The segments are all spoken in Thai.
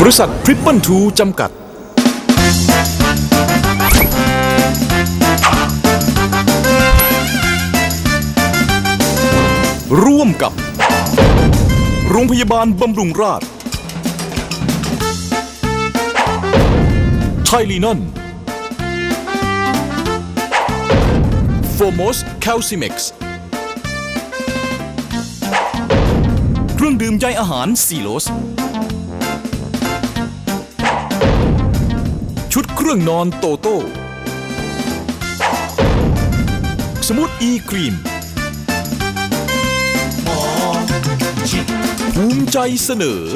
บริษัททริปเปิลทูจำกัดร่วมกับโรงพยาบาลบำรุงราษฎร์ไทลีนอนโฟร์โมสแคลซิเม็กซ์เครื่องดื่มใยอาหารซีโลสชุดเครื่องนอนโตโต้สมูทอีครีมภูมิใจเสนอ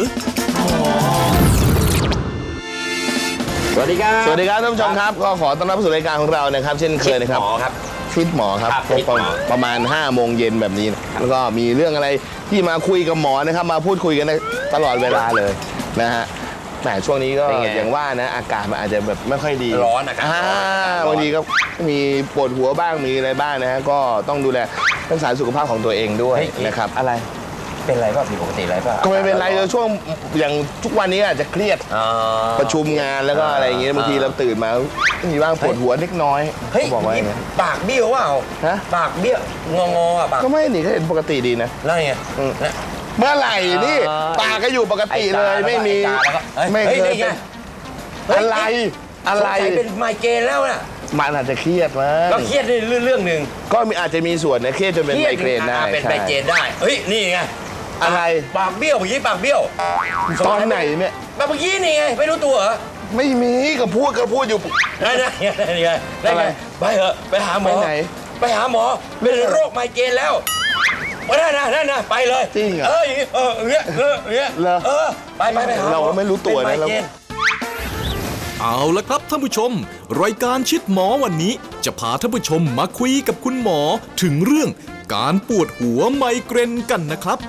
สวัสดีครับสวัสดีครับท่านผู้ชมครับก็ขอต้อนรับสู่รายการของเรานะครับเช่นเคยนะครับฟิตหมอครับประมาณ5 โมงเย็นแบบนี้แล้วก็มีเรื่องอะไรที่มาคุยกับหมอนะครับมาพูดคุยกันตลอดเวลาเลยนะฮะแต่ช่วงนี้ก็อย่างว่านะอากาศมันอาจจะแบบไม่ค่อยดีร้อนนะครับบางทีก็มีปวดหัวบ้างมีอะไรบ้างนะฮะก็ต้องดูแลรักษาสุขภาพของตัวเองด้วยนะครับอะไรเป็นอะไรป่ะผิดปกติอะไรป่ะก็ไม่เป็นไรเลยช่วงอย่างทุกวันนี้อาจจะเครียดประชุมงานแล้วก็อะไรอย่างเงี้ยบางทีเราตื่นมามีบ้างปวดหัวเล็กน้อยบอกว่าปากเบี้ยวเปล่าฮะปากเบี้ยวงออ่ะปากก็ไม่หนีก็เห็นปกติดีนะนั่นไงเมื่อไหร่นี่ปากก็อยู่ปกติเลยไม่มีไม่เคยเป็นอะไรเป็นไมเกรนแล้วน่ะมันอาจจะเครียดมั้งก็เครียดในเรื่องหนึ่งก็อาจจะมีส่วนนะเครียดจนเป็นไมเกรนได้เป็นไมเกรนได้เฮ้ยนี่ไงอะไรปากเบี้ยวเมื่อกี้ปากเบี้ยวตอนไหนเนี่ยเมื่อกี้นี่ไงไม่รู้ตัวเหรอไม่มีก็พูดอยู่ได้ไงไปเถอะไปหาหมอไหนไปหาหมอเป็นโรคไมเกรนแล้วนั่นนะไปเลยจริงเหรออย่างเงี้ยไปหาหมอเราไม่รู้ตัวนะเอาละครับท่านผู้ชมรายการชิดหมอวันนี้จะพาท่านผู้ชมมาคุยกับคุณหมอถึงเรื่องการปวดหัวไมเกรนกันนะครับ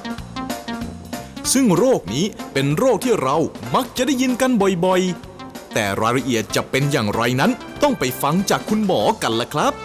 ซึ่งโรคนี้เป็นโรคที่เรามักจะได้ยินกันบ่อยๆแต่รายละเอียดจะเป็นอย่างไรนั้นต้องไปฟังจากคุณหมอกันละครับ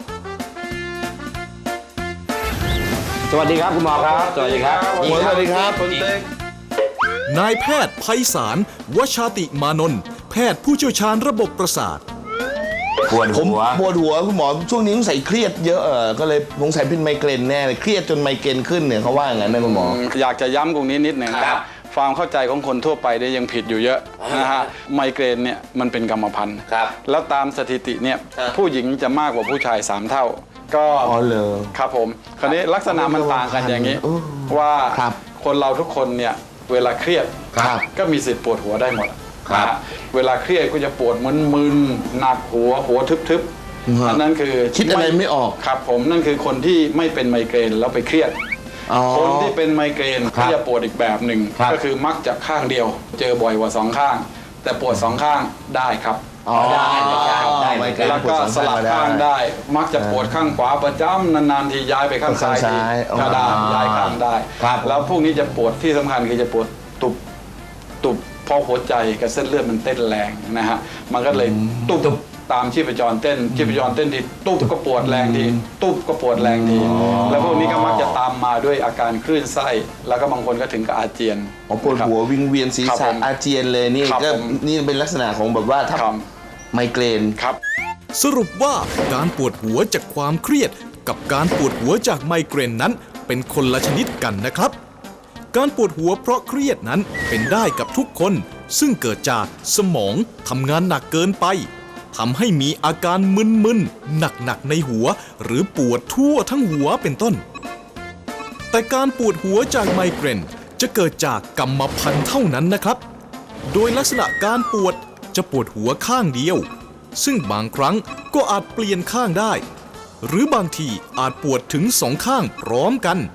สวัสดีครับคุณหมอครับสวัสดีครับสวัสดีครับนายแพทย์ไพศาลวชาติมานนท์แพทย์ผู้เชี่ยวชาญระบบประสาทปวดหัวคุณหมอช่วงนี้สงสัยเครียดเยอะก็เลยสงสัยเป็นไมเกรนแน่เลยเครียดจนไมเกรนขึ้นเนี่ยเขาว่าอย่างนั้นนะคุณหมออยากจะย้ำตรงนี้นิดหนึ่งครับความเข้าใจของคนทั่วไปเนี่ยยังผิดอยู่เยอะนะฮะไมเกรนเนี่ยมันเป็นกรรมพันธุ์แล้วตามสถิติเนี่ยผู้หญิงจะมากกว่าผู้ชาย3 เท่าก็ครับผมคราวนี้ลักษณะมันต่างกันอย่างนี้ว่าคนเราทุกคนเนี่ยเวลาเครียดก็มีสิทธิ์ปวดหัวได้หมดเวลาเครียดก็จะปวดมึนๆหนักหัวทึบๆอันนั้นคือคิดอะไรไม่ออกครับผมนั่นคือคนที่ไม่เป็นไมเกรนแล้วไปเครียดคนที่เป็นไมเกรนก็จะปวดอีกแบบหนึ่งก็คือมักจะข้างเดียวเจอบ่อยกว่า2 ข้างแต่ปวด2 ข้างได้ครับได้แล้วก็สลับข้างได้มักจะปวดข้างขวาประจำนานๆทีย้ายไปข้างซ้ายก็ได้ย้ายข้างได้แล้วพวกนี้จะปวดที่สำคัญคือจะปวดตุบเพราะหัวใจกับเส้นเลือดมันเต้นแรงนะฮะมันก็เลยตุบตามชีพจรเต้นทีตุบก็ปวดแรงทีตุบก็ปวดแรงทีแล้วพวกนี้ก็มักจะตามมาด้วยอาการคลื่นไส้แล้วก็บางคนก็ถึงกับอาเจียนปวดหัววิงเวียนศีรษะอาเจียนเลยนี่ก็นี่เป็นลักษณะของแบบว่าถ้าไมเกรนครับสรุปว่าการปวดหัวจากความเครียดกับการปวดหัวจากไมเกรนนั้นเป็นคนละชนิดกันนะครับการปวดหัวเพราะเครียดนั้นเป็นได้กับทุกคนซึ่งเกิดจากสมองทำงานหนักเกินไปทำให้มีอาการมึนๆหนักๆในหัวหรือปวดทั่วทั้งหัวเป็นต้นแต่การปวดหัวจากไมเกรนจะเกิดจากกรรมพันธุ์เท่านั้นนะครับโดยลักษณะการปวดจะปวดหัวข้างเดียวซึ่งบางครั้งก็อาจเปลี่ยนข้างได้หรือบางทีอาจปวดถึง2 ข้างพร้อมกัน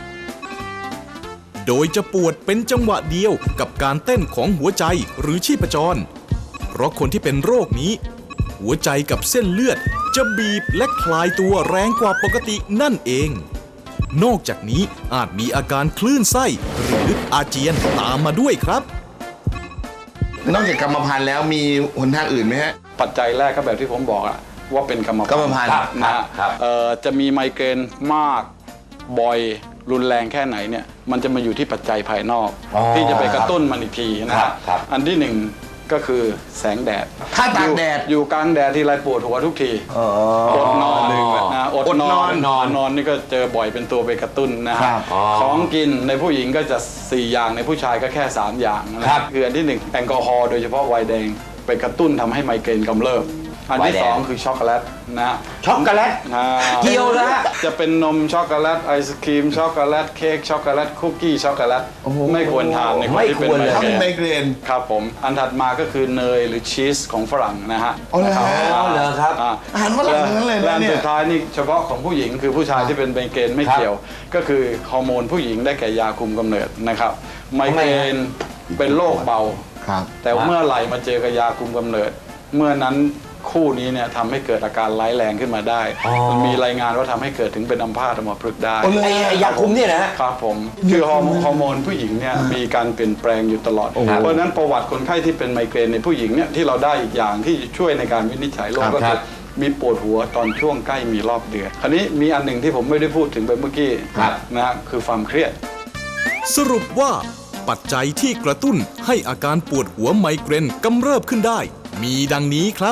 โดยจะปวดเป็นจังหวะเดียวกับการเต้นของหัวใจหรือชีพจรเพราะคนที่เป็นโรคนี้หัวใจกับเส้นเลือดจะบีบและคลายตัวแรงกว่าปกตินั่นเองนอกจากนี้อาจมีอาการคลื่นไส้หรืออาเจียนตามมาด้วยครับนอกจากกรรมพันธุ์แล้วมีหนทางอื่นไหมฮะปัจจัยแรกก็แบบที่ผมบอกอะว่าเป็นกรรมพันธุ์นะจะมีไมเกรนมากบ่อยรุนแรงแค่ไหนเนี่ยมันจะมาอยู่ที่ปัจจัยภายนอก ที่จะไปกระตุ้นมันอีกทีนะครับอันที่หนึ่งก็คือแสงแดดถ้าตากแดดอยู่กลางแดดทีไรปวดหัวทุกทีอดนอนนะอดนอนนี่ก็เจอบ่อยเป็นตัวไปกระตุ้นนะฮะของกินในผู้หญิงก็จะ4อย่างในผู้ชายก็แค่3อย่างนะครับคืออันที่1แอลกอฮอล์โดยเฉพาะไวน์แดงไปกระตุ้นทำให้ไมเกรนกำเริบอันที่2คือช็อกโกแลตนะช็อกโกแลต เกี่ยวนะฮะจะเป็นนมช็อกโกแลตไอศครีมช็อกโกแลตเค้กช็อกโกแลตคุกกี้ช็อกโกแลตไม่ควรทานในคนที่เป็นไมเกรนครับผมอันถัดมาก็คือเนยหรือชีสของฝรั่งนะฮะอ๋อเหรอครับ อาหารฝรั่งทั้งนั้นเลยนะและเนี่ยสุดท้ายนี่เฉพาะของผู้หญิงคือผู้ชายที่เป็นไมเกรนไม่เกี่ยว ก็คือฮอร์โมนผู้หญิงได้แก่ยาคุมกำเนิดนะครับไมเกรนเป็นโรคเบาครับแต่เมื่อไหร่มาเจอกับยาคุมกำเนิด เมื่อนั้นคู่นี้เนี่ยทำให้เกิดอาการร้ายแรงขึ้นมาได้ มันมีรายงานว่าทำให้เกิดถึงเป็นอัมพาตอัมพฤกษ์ได้ไอ้ยาคุมเนี่ยนะฮะครับผมคือฮอร์โมนผู้หญิงเนี่ยมีการเปลี่ยนแปลงอยู่ตลอด เพราะฉะนั้นประวัติคนไข้ที่เป็นไมเกรนในผู้หญิงเนี่ยที่เราได้อีกอย่างที่ช่วยในการวินิจฉัยโรคก็คือมีปวดหัวตอนช่วงใกล้มีรอบเดือนคราวนี้มีอันหนึ่งที่ผมไม่ได้พูดถึงไปเมื่อกี้นะฮะคือความเครียดสรุปว่าปัจจัยที่กระตุ้นให้อาการปวดหัวไมเกรนกำเริบขึ้นได้ มีดังนี้ครับ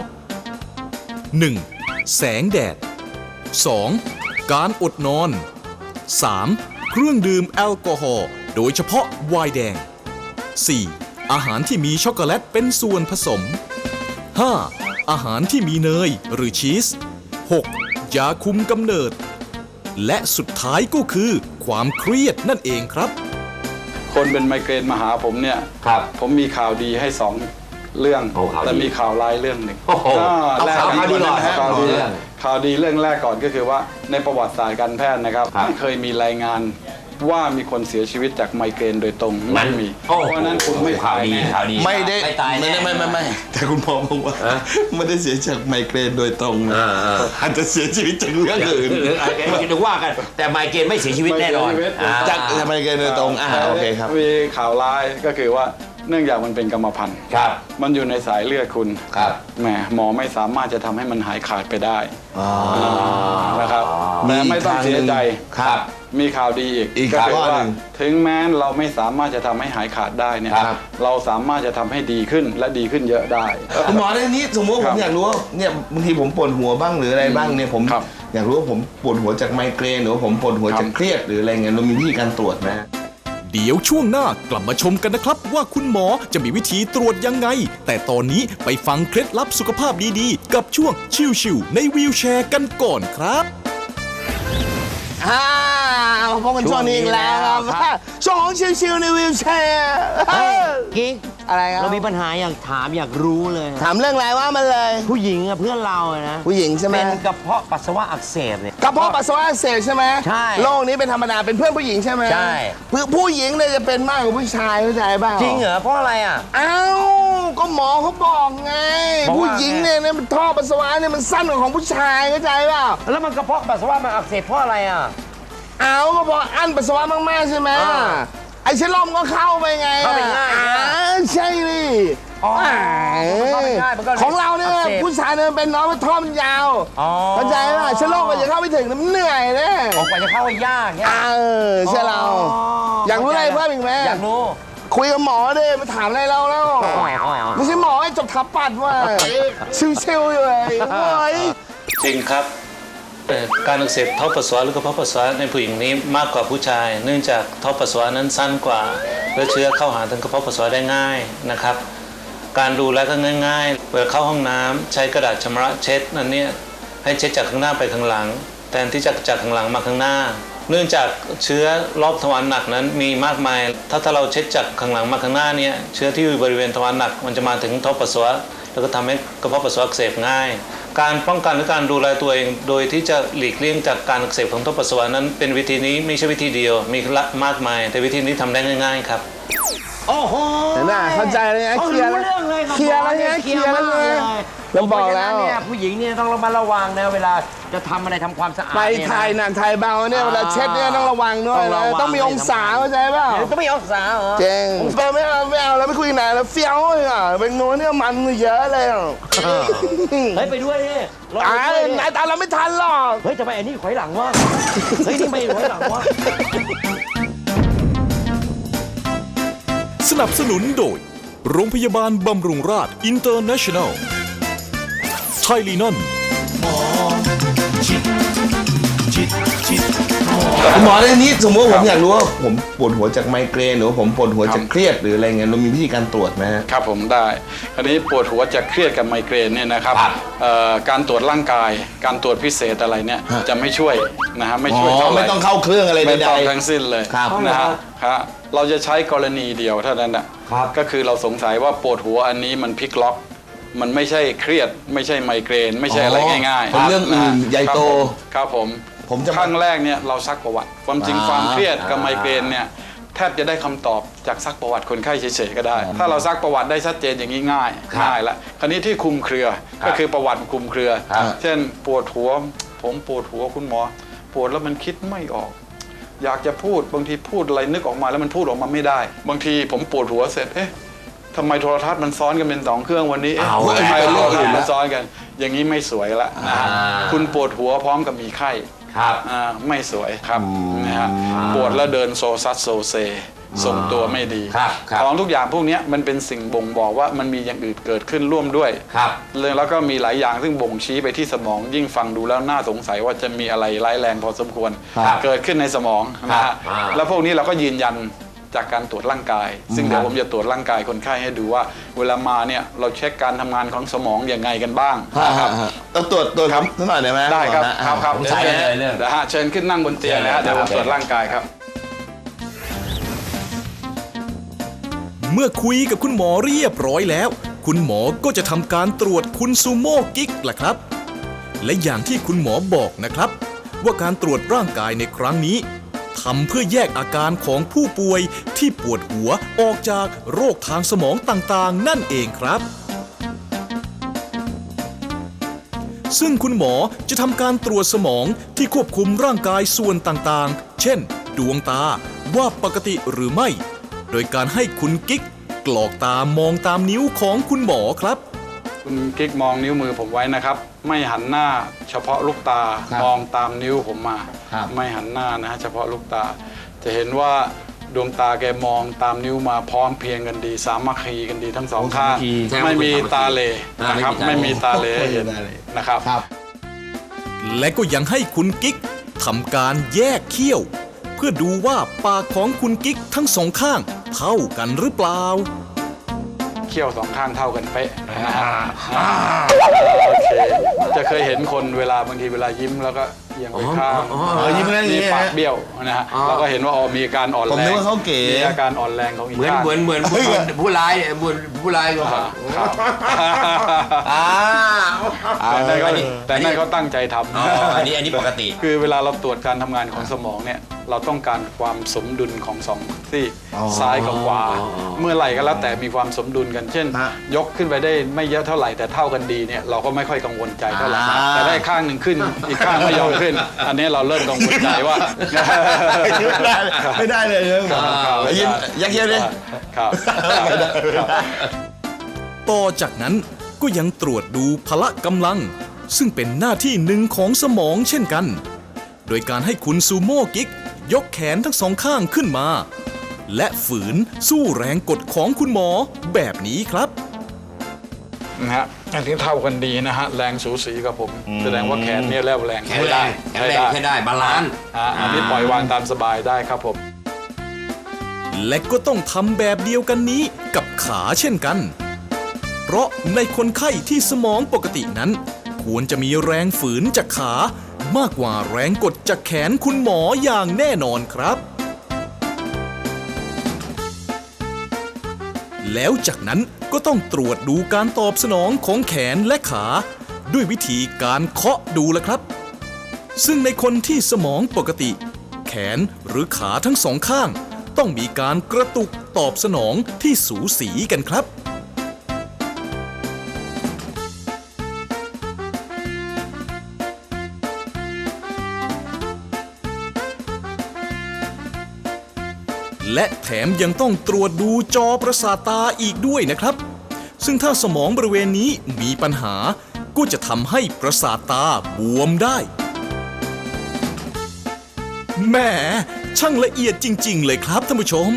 1. แสงแดด 2. การอดนอน 3. เครื่องดื่มแอลกอฮอล์โดยเฉพาะไวน์แดง 4. อาหารที่มีช็อกโกแลตเป็นส่วนผสม 5. อาหารที่มีเนยหรือชีส 6. ยาคุมกำเนิด และสุดท้ายก็คือความเครียดนั่นเองครับคนเป็นไมเกรนมาหาผมเนี่ยผมมีข่าวดีให้2เรื่องแต่มีข่าวร้ายเรื่องหนึ่งก็แรกข่าวดีก่อนข่าวดีเรื่องแรกก่อนก็คือว่าในประวัติศาสตร์การแพทย์นะครับไม่เคยมีรายงานว่ามีคนเสียชีวิตจากไมเกรนโดยตรงไม่มีเพราะนั้นคุณไม่ข่าวดีไม่ได้ไม่ตายแน่ไม่แต่คุณพ่อบอกว่าไม่ได้เสียจากไมเกรนโดยตรงนะอาจจะเสียชีวิตจากเรื่องอื่นหรือว่ากันแต่ไมเกรนไม่เสียชีวิตแน่นอนจากไมเกรนโดยตรงโอเคครับมีข่าวร้ายก็คือว่าเนื่องจากมันเป็นกรรมพันธุ์มันอยู่ในสายเลือดคุณแหมหมอไม่สามารถจะทำให้มันหายขาดไปได้นะครับแต่ไม่ต้องเสียใจมีข่าวดีอีกก็คือว่าถึงแม้เราไม่สามารถจะทำให้หายขาดได้เนี่ยเราสามารถจะทำให้ดีขึ้นและดีขึ้นเยอะได้คุณหมอในนี้สมมติผมอยากรู้ว่าเนี่ยบางทีผมปวดหัวบ้างหรืออะไรบ้างเนี่ยผมอยากรู้ว่าผมปวดหัวจากไมเกรนหรือว่าผมปวดหัวจากเครียดหรืออะไรเงี้ยเรามีวิธีการตรวจไหมเดี๋ยวช่วงหน้ากลับมาชมกันนะครับว่าคุณหมอจะมีวิธีตรวจยังไง แต่ตอนนี้ไปฟังเคล็ดลับสุขภาพดีๆ กับช่วงชิวๆในวีลแชร์กันก่อนครับมาพบกันช่วงนี้อีกแล้วครับช่วงของชิวๆในวีลแชร์กิ๊กอะไรครับเรามีปัญหาอยากถามอยากรู้เลยถามเรื่องอะไรว่ามันเลยผู้หญิงอะเพื่อนเราอะนะผู้หญิงใช่ไหมเป็นกระเพาะปัสสาวะอักเสบเนี่ยกระเพาะปัสสาวะอักเสบใช่ไหมใช่โรคนี้เป็นธรรมดาเป็นเพื่อนผู้หญิงใช่ไหมใช่ผู้หญิงเนี่ยจะเป็นมากกว่าผู้ชายเข้าใจเปล่าจริงเหรอเพราะอะไรอะอ้าวก็หมอเขาบอกไงบอกว่าผู้หญิงเนี่ยมันท่อปัสสาวะเนี่ยมันสั้นกว่าของผู้ชายเข้าใจเปล่าแล้วมันกระเพาะปัสสาวะมันอักเสบเพราะอะไรอะเอาก็บอกอั้นปัสสาวะมากๆใช่ไหม ไอ้เชื้อลมก็เข้าไปไงเข้าไปง่ายใช่ดิเข้าไปง่ายมันก็ของเราเนี่ยอักเสบผู้ชายเนี่ยเป็นน้อยเพราะท่อมันยาว เข้าใจป่ะเชื้อโรคก็จะเข้าไปถึงน้ำเหนื่อยเนี่ยออกไปจะเข้ายากเนี่ยใช่เรา อยากรู้อะไรเพิ่มอีกไหมอยากรู้คุยกับหมอดิมาถามอะไรเราแล้วไม่ใช่หมอให้จบทับปัดว่าชิวๆอยู่เลยโอ้ยจริงครับการอักเสบท่อปัสสาวะหรือกระเพาะปัสสาวะในผู้หญิงนี้มากกว่าผู้ชาย เนื่องจากท่อปัสสาวะนั้นสั้นกว่าและเชื้อเข้าหาทางกระเพาะปัสสาวะได้ง่ายนะครับ การดูแลก็ง่ายๆเวลาเข้าห้องน้ำใช้กระดาษชำระเช็ดนั่นเนี่ยให้เช็ดจากข้างหน้าไปข้างหลังแทนที่จะจากข้างหลังมาข้างหน้า เนื่องจากเชื้อรอบทวารหนักนั้นมีมากมายถ้าเราเช็ดจากข้างหลังมาข้างหน้าเนี่ยเชื้อที่อยู่บริเวณทวารหนักมันจะมาถึงท่อปัสสาวะแล้วก็ทำให้กระเพาะปัสสาวะอักเสบง่ายการป้องกันหรือการดูแลตัวเองโดยที่จะหลีกเลี่ยงจากการอักเสบของท่อปัสสาวะนั้นเป็นวิธีนี้ไม่ใช่วิธีเดียวมีมากมายแต่วิธีนี้ทำได้ง่ายๆครับโอ้โหน่าเข้าใจเลยนะเคลียร์รู้เรื่องเลยครับเคลียร์แล้วเนี่ยเคลียร์แล้วเลยแล้วบอกแล้วเพราะฉะนั้นเนี่ยผู้หญิงเนี่ยต้องระมัดระวังนะเวลาจะทำอะไรทำความสะอาดไปเนี่ยนะถ่ายหนักถ่ายเบาเนี่ยเวลาเช็ดเนี่ยต้องระวังด้วยต้องระวังต้องมีองศาเข้าใจเปล่าต้องไม่ออกสาเหรอเจงไม่เอาแล้วไม่คุยนานแล้วเฟี้ยวเลยอ่ะเป็นโน้นเนี่ยมันเยอะเลยอ่ะเฮ้ยไปด้วยดิรอตาไปยด้วยดินายตามเราไม่ทันหรอกเฮ้ยทำไมอันนี้ถอยหลังวะเฮ้ยนี่ไม่ถอยหลังวะสนับสนุนโดย โรงพยาบาลบำรุงราษอินเตอร์เนชั่นแนลไทลีนอนคุณหมอในนี้สมมติว่าผมอยากรู้ว่าผมปวดหัวจากไมเกรนหรือว่าผมปวดหัวจากเครียดหรืออะไรเงี้ยเรามีวิธีการตรวจไหมฮะครับผมได้คราวนี้ปวดหัวจากเครียดกับไมเกรนเนี่ยนะครับการตรวจร่างกายการตรวจพิเศษอะไรเนี่ยจะไม่ช่วยนะฮะไม่ช่วยเท่าไหร่ไม่ต้องเข้าเครื่องอะไรใดๆไม่ต้องทั้งสิ้นเลยครับนะฮะครับเราจะใช้กรณีเดียวเท่านั้นนะก็คือเราสงสัยว่าปวดหัวอันนี้มันพลิกล็อกมันไม่ใช่เครียดไม่ใช่ไมเกรนไม่ใช่อะไรง่ายๆเป็นเรื่องอื่นใหญ่โตครับผมผมจะครั้งแรกเนี่ยเราซักประวัติความจริงความเครียดกับไมเกรนเนี่ยแทบจะได้คำตอบจากซักประวัติคนไข้เฉยๆก็ได้ ถ้าเราซักประวัติได้ชัดเจนอย่างนี้ง่ายละคราวนี้ที่คลุมเครือก็คือประวัติคลุมเครือ เช่นปวดหัวผมปวดหัวคุณหมอปวดแล้วมันคิดไม่ออกอยากจะพูดบางทีพูดอะไรนึกออกมาแล้วมันพูดออกมาไม่ได้ บางทีผมปวดหัวเสร็จทำไมโทรทัศน์มันซ้อนกันเป็น2เครื่องวันนี้ทำไมโรคอื่นมันซ้อนกันอย่างนี้ไม่สวยละนะฮะคุณปวดหัวพร้อมกับมีไข้ไม่สวยครับนะฮะปวดแล้วเดินโซซัสโซเซทรงตัวไม่ดีของทุกอย่างพวกนี้มันเป็นสิ่งบ่งบอกว่ามันมีอย่างอื่นเกิดขึ้นร่วมด้วยแล้วก็มีหลายอย่างซึ่งบ่งชี้ไปที่สมองยิ่งฟังดูแล้วน่าสงสัยว่าจะมีอะไรร้ายแรงพอสมควรเกิดขึ้นในสมองนะฮะแล้วพวกนี้เราก็ยืนยันจากการตรวจร่างกาย ซึ่งเดี๋ยวผมจะตรวจร่างกายคนไข้ให้ดูว่าเวลามาเนี่ยเราเช็คการทำงานของสมองยังไงกันบ้างนะครับต้องตรวจครับนิดหน่อยได้ไหมได้ครับ ครับผมใช้เลยเรื่องนะฮะเชิญขึ้นนั่งบนเตียงนะฮะเดี๋ยวผมตรวจร่างกายครับเมื่อคุยกับคุณหมอเรียบร้อยแล้ว คุณหมอก็จะทำการตรวจคุณซูโม่กิ๊กล่ะครับ และอย่างที่คุณหมอบอกนะครับ ว่าการตรวจร่างกายในครั้งนี้ทำเพื่อแยกอาการของผู้ป่วยที่ปวดหัวออกจากโรคทางสมองต่างๆนั่นเองครับ ซึ่งคุณหมอจะทำการตรวจสมองที่ควบคุมร่างกายส่วนต่างๆ เช่น ดวงตาว่าปกติหรือไม่ โดยการให้คุณกิ๊กกรอกตามองตามนิ้วของคุณหมอครับคุณกิ๊กมองนิ้วมือผมไว้นะครับ ไม่หันหน้าเฉพาะลูกตามองตามนิ้วผมมา ไม่หันหน้านะฮะเฉพาะลูกตา จะเห็นว่าดวงตาแกมองตามนิ้วมาพร้อมเพรียงกันดีสามัคคีกันดีทั้งสองข้างไม่มีตาเหลนะครับไม่มีตาเหลให้เห็นนะครับและก็ยังให้คุณกิ๊กทำการแยกเขี้ยว เพื่อดูว่าปากของคุณกิ๊กทั้งสองข้างเท่ากันหรือเปล่าเขี้ยวสองข้างเท่ากันเป๊ะนะฮะโอเคจะเคยเห็นคนเวลาบางทีเวลายิ้มแล้วก็เอียงไปข้างยิ้มแล้วอย่างมีนี้ปากเบี้ยวนะฮะเราก็เห็นว่ามีอาการอ่อนผมแรนึกงว่าเขาเก๋มีอาการอ่อนแรงของอีกเหมือนข้างเหมือนผู้ร้ายผู้ร้ายก็ครับ แต่นั่นเขาตั้งใจทำอันนี้ปกติคือเวลาเราตรวจการทำงานของสมองเนี่ยเราต้องการความสมดุลของสองซีกซ้ายกับขวาเมื่อไหร่ก็แล้วแต่มีความสมดุลกันเช่น ยกขึ้นไปได้ไม่เยอะเท่าไหร่แต่เท่ากันดีเนี่ยเราก็ไม่ค่อยกังวลใจเท่าไหร่แต่ได้ข้างหนึ่งขึ้นอีกข้างไม่ยอมขึ้น อันนี้เราเริ่มกังวลใจว่าไม่ได้เลยยิ้มยักเยี้ยวดิครับต่อจากนั้นก็ยังตรวจดูพละกำลัง ซึ่งเป็นหน้าที่หนึ่งของสมองเช่นกัน โดยการให้คุณซูโม่กิ๊กยกแขนทั้งสองข้างขึ้นมา และฝืนสู้แรงกดของคุณหมอแบบนี้ครับนะฮะอันนี้เท่ากันดีนะฮะแรงสูสีกับผมแสดงว่าแขนเนี่ยแลบแรงแข็งแรงใช้ได้บาลานซ์อันนี้ปล่อยวางตามสบายได้ครับผมและก็ต้องทำแบบเดียวกันนี้กับขาเช่นกัน เพราะในคนไข้ที่สมองปกตินั้น ควรจะมีแรงฝืนจากขามากกว่าแรงกดจากแขนคุณหมออย่างแน่นอนครับ แล้วจากนั้นก็ต้องตรวจดูการตอบสนองของแขนและขา ด้วยวิธีการเคาะดูละครับ ซึ่งในคนที่สมองปกติ แขนหรือขาทั้งสองข้าง ต้องมีการกระตุกตอบสนองที่สูสีกันครับ แและแถมยังต้องตรวจดูจอประสาทตาอีกด้วยนะครับ ซึ่งถ้าสมองบริเวณนี้มีปัญหาก็จะทำให้ประสาทตาบวมได้แหมช่างละเอียดจริงๆเลยครับท่านผู้ชม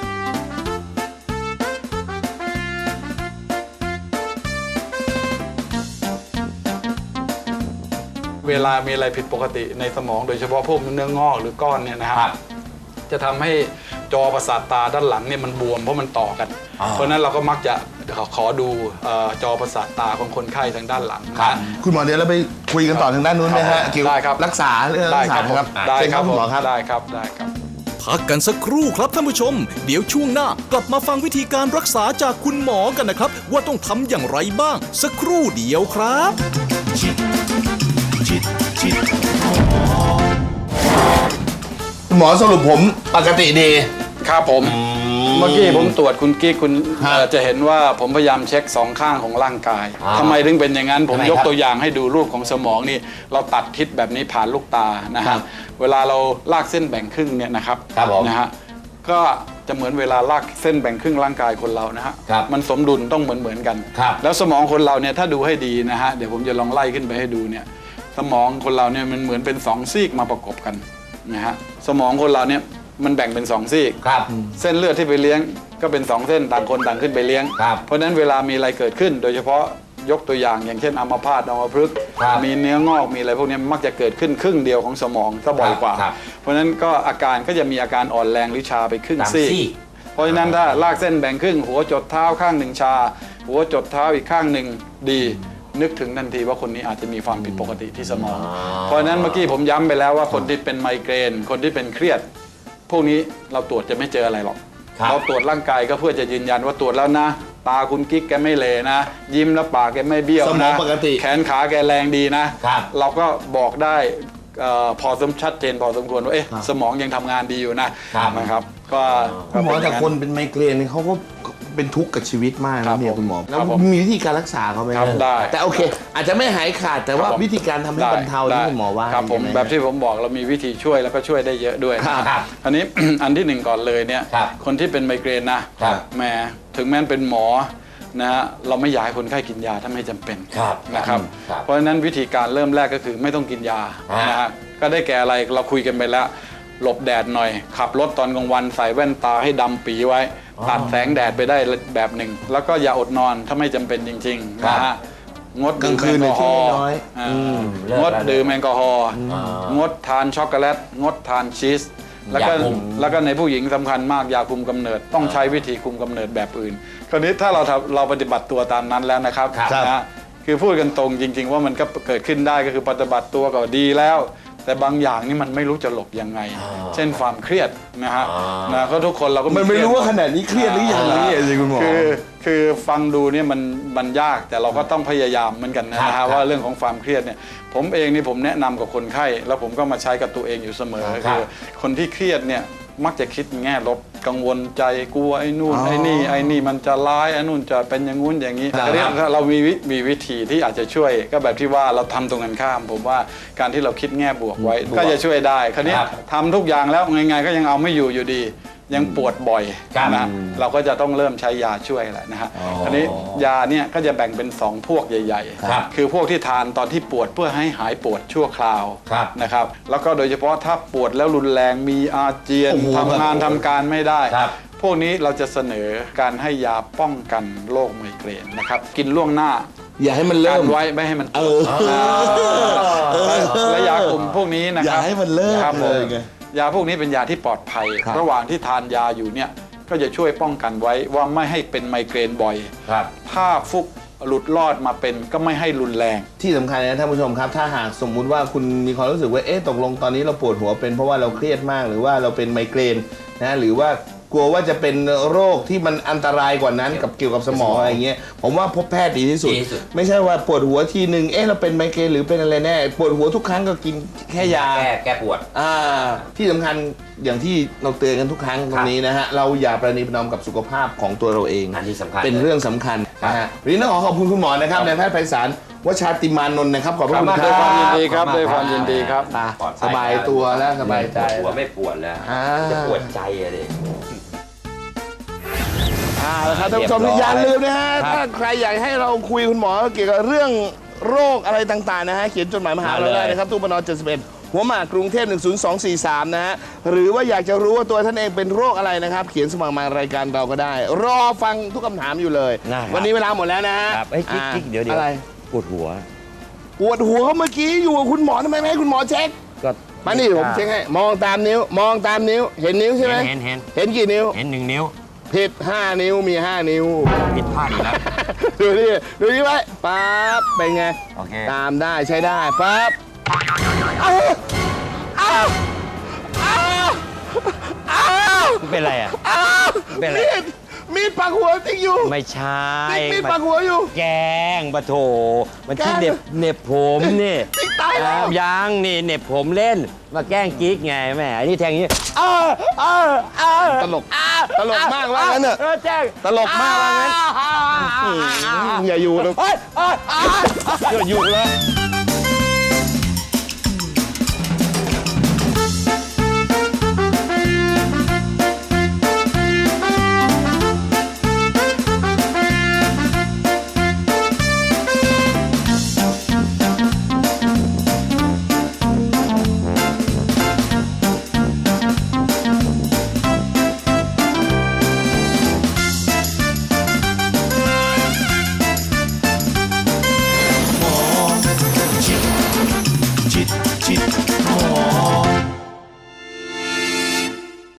เวลามีอะไรผิดปกติในสมองโดยเฉพาะพวกเนื้องอกหรือก้อนเนี่ยนะครับจะทำให้จอประสาทตาด้านหลังเนี่ยมันบวมเพราะมันต่อกัน เพราะนั้นเราก็มักจะขอดูจอประสาทตาของคนไข้ทางด้านหลังนะคุณหมอเดี๋ยวเราไปคุยกันต่อทางด้านนู้นนะฮะเกี่ยวได้ครักับบ รักษาเรื่องได้รักษาครับครับได้เชิญครับคุณหมอครับได้ครับได้ครับพักกันสักครู่ครับท่านผู้ชม เดี๋ยวช่วงหน้ากลับมาฟังวิธีการรักษาจากคุณหมอกันนะครับ ว่าต้องทำอย่างไรบ้าง สักครู่เดียวครับคุณหมอสรุปผมปกติดีครับผมเมื่อกี้ผมตรวจคุณกิ๊กคุณฮะจะเห็นว่าผมพยายามเช็คสองข้างของร่างกายทำไมถึงเป็นอย่างนั้นผมทำไมยกครับตัวอย่างให้ดูรูปของสมองนี่เราตัดทิศแบบนี้ผ่านลูกตานะครัฮะบเวลาเราลากเส้นแบ่งครึ่งเนี่ยนะครับครับผมนะฮะก็จะเหมือนเวลาลากเส้นแบ่งครึ่งร่างกายคนเรานะฮะครับมันสมดุลต้องเหมือนกันครับแล้วสมองคนเราเนี่ยถ้าดูให้ดีนะฮะเดี๋ยวผมจะลองไล่ขึ้นไปให้ดูเนี่ยสมองคนเราเนี่ยมันเหมือนเป็นสองซีกมาประกบกันนะฮะสมองคนเราเนี่ยมันแบ่งเป็น2ซีกครับเส้นเลือดที่ไปเลี้ยงก็เป็น2เส้นต่างคนต่างขึ้นไปเลี้ยงครับเพราะฉะนั้นเวลามีอะไรเกิดขึ้น โดยเฉพาะยกตัวอย่างเช่นอัมพาตอัมพฤกษ์ครับมีเนื้องอกมีอะไรพวกนี้มักจะเกิดขึ้นครึ่งเดียวของสมองซะบ่อยกว่าครับเพราะฉะนั้นก็อาการก็จะมีอาการอ่อนแรงหรือชาไปครึ่งตามซีกซีกเพราะฉะนั้นถ้าลากเส้นแบ่งครึ่งหัวจดเท้าข้างหนึ่งชา หัวจดเท้าอีกข้างหนึ่งดี นึกถึงทันทีว่าคนนี้อาจจะมีความผิดปกติที่สมอง เพราะฉะนั้นเมื่อกี้ผมย้ำไปแล้วว่าคนที่เป็นไมเกรนคนที่เป็นเครียด พวกนี้เราตรวจจะไม่เจออะไรหรอกครับเราตรวจร่างกายก็เพื่อจะยืนยันว่าตรวจแล้วนะ ตาคุณกิ๊กแกไม่เหลนะ ยิ้มแล้วปากแกไม่เบี้ยวสมอนะงปกติแขนขาแกแรงดีนะครับเราก็บอกได้พอชัดเจนพอสมควรว่าเอ๊ะสมองยังทำงานดีอยู่นะครับ นะครับ ก็คุณหมอก็เป็แต่ย่างคนเป็นไมเกรนนี่เขาก็เป็นทุกข์กับชีวิตมากครันะบเนี่ยผมคุณหมอคแล้รัวบผมมีวิธีการรักษาเขาไหมครับได้แต่โอเค อาจจะไม่หายขาดแต่ว่าครับผมวิธีการทำให้บรรเทาที่คุณหมอว่าครับผมใช่ไหแบบที่ผมบอกเรามีวิธีช่วยแล้วก็ช่วยได้เยอะด้วยครับอันนี้ อันที่หนึ่งก่อนเลยเนี่ยครับคนที่เป็นไมเกรนนะครับ แหม้ถึงแม้นเป็นหมอนะฮะเราไม่อยากให้คนไข้กินยาถ้าไม่จำเป็นครับนะครับครับเพราะฉะนั้นวิธีการเริ่มแรกก็คือไม่ต้องกินยาอ่านนะฮะก็ได้แก่อะไรเราคุยกันไปแล้ว หลบแดดหน่อย ขับรถตอนกลางวันใส่แว่นตาให้ดำปีไว้ ตัดแสงแดดไปได้แบบหนึ่ง แล้วก็อย่าอดนอนถ้าไม่จำเป็นจริงๆนะฮะงดกลาดื่งมคืแอน ลกอฮอล์น้อยๆอ่าเลิกงดแล้วดื่มแอลกอฮอล์งดทานช็อกโกแลตงดทานชีสแล้วก็ยาคุมแล้วก็ในผู้หญิงสำคัญมากยาคุมกำเนิด ต้องใช้วิธีคุมกำเนิดแบบอื่น คราวนี้ถ้าเราปฏิบัติตัวตามนั้นแล้วนะครับครับนะฮะคือพูดกันตรงจริง ๆ ว่ามันก็เกิดขึ้นได้ก็คือปฏิบัติตัวก็ดีแล้ว แต่บางอย่างนี่มันไม่รู้จะหลบยังไง เช่นความเครียดนะฮะนะก็ทุกคนเราก็มันไม่รู้ว่าขเคยดนาดนี้เครียดหรือยังนี่สิคุณหมอคือฟังดูเนี่ยมันยากแต่เราก็ต้องพยายามเหมือนกันนะครัฮะบว่าเรื่องของความเครียดเนี่ยผมเองนี่ผมแนะนำกับคนไข้ แล้วผมก็มาใช้กับตัวเองอยู่เสมอครับคือคนที่เครียดเนี่ยมักจะคิดแง่ลบกังวลใจกลัวไอ้นู่นไอ้นี่มันจะร้ายไอ้นู่นจะเป็นอย่างงู้นอย่างนี้ครับแต่เนี่ยเรามีวิธีที่อาจจะช่วยก็แบบที่ว่าเราทำตรงกันข้าม ผมว่าการที่เราคิดแง่บวกไว้ ก็จะช่วยได้คราวนี้ครับทำทุกอย่างแล้วไงๆก็ยังเอาไม่อยู่ดี ยังปวดบ่อยครับนะเราก็จะต้องเริ่มใช้ยาช่วยแหละนะฮะ อันนี้ยาเนี่ยก็จะแบ่งเป็น 2 พวกใหญ่ครับคือพวกที่ทานตอนที่ปวดเพื่อให้หายปวดชั่วคราวครับนะครับแล้วก็โดยเฉพาะถ้าปวดแล้วรุนแรงมีอาเจียนโอ้โหทำงานทำการไม่ได้ครับพวกนี้เราจะเสนอการให้ยาป้องกันโรคไมเกรนนะครับกินล่วงหน้าอย่าให้มันเริ่กัมนไว้ไม่ให้มันปวดและยากลุ่มพวกนี้นะคอย่ารับให้มันเริ่มครับผมเลยไงยาพวกนี้เป็นยาที่ปลอดภัยครับระหว่างที่ทานยาอยู่เนี่ยก็จะช่วยป้องกันไว้ว่าไม่ให้เป็นไมเกรนบ่อยครับถ้าฟุกหลุดรอดมาเป็นก็ไม่ให้รุนแรงที่สำคัญนะท่านผู้ชมครับ ถ้าหากสมมุติว่าคุณมีความรู้สึกว่าเอ๊ะตกลงตอนนี้เราปวดหัวเป็นเพราะว่าเราเครียดมากหรือว่าเราเป็นไมเกรนนะหรือว่ากลัวว่าจะเป็นโรคที่มันอันตรายกว่านั้นกับเกี่ยวกับสมองอะไรเงี้ยผมว่าพบแพทย์ดีที่สุดดีที่สุดไม่ใช่ว่าปวดหัวทีหนึ่งเอ๊ะเราเป็นไมเกรนหรือเป็นอะไรแน่ปวดหัวทุกครั้งก็กินแค่ยาแก้ปวดที่สำคัญอย่างที่เราเตือนกันทุกครั้งตรงนี้นะฮะเราอย่าประนีประนอมกับสุขภาพของตัวเราเองอันนี้สำคัญเป็นเรื่องสำคัญนะฮะวันนี้ต้องขอบคุณคุณหมอนะครับนายแพทย์ไพศาลวชาติมานนท์นะครับขอบพระคุณคด้วยรัความยินบดีครับด้วยความยินดีครับสบายตัวแล้วสบายใจหัวไม่ปวดแล้วอ่าจะปวดใจอะดิแล้วครับท่านผู้ชมอย่าลืมนะฮะถ้าใครอยากให้เราคุยคุณหมอเกี่ยวกับเรื่องโรคอะไรต่างๆนะฮะเขียนจดหมายมาหาเราได้นะครับตู้ปน71หัวหมากกรุงเทพ10243นะฮะหรือว่าอยากจะรู้ว่าตัวท่านเองเป็นโรคอะไรนะครับเขียนสมัครมารายการเราก็ได้ รอฟังทุกคำถามอยู่เลย วันนี้เวลาหมดแล้วนะฮะครับกิ๊กเดี๋ยวอะไรปวดหัวปวดหัวเมื่อกี้อยู่กับคุณหมอทำไมไม่ให้คุณหมอเช็คก็มานี่ผมเช็คให้มองตามนิ้วมองตามนิ้วเห็นนิ้วใช่ไหมเห็นเห็นกี่นิ้วเห็น1 นิ้วผิด5 นิ้วมี 5 นิ้วผิดพลาดอีกแล้วดูนี่ไว้ปั๊บเป็นไงโอเคตามได้ใช้ได้ปั๊บอ้าวอ้าวอ้าวอ้าวเป็นไรอ่ะอ้าวเป็นไรมีดปักหัวติ๊กอยู่ไม่ใช่ติ๊กมีดปักหัวอยู่แกงปะโถมันที่แกล้งเหน็บผมนี่ติ๊กตายแล้วยังนี่เหน็บผมเล่นมาแกล้งกิ๊กไงแม่อันนี้แทงอย่างนี้ตลกตลกมากว่างั้นเถอะแจ้งตลกมากว่างั้นอย่าอยู่เลยอย่าอยู่เลย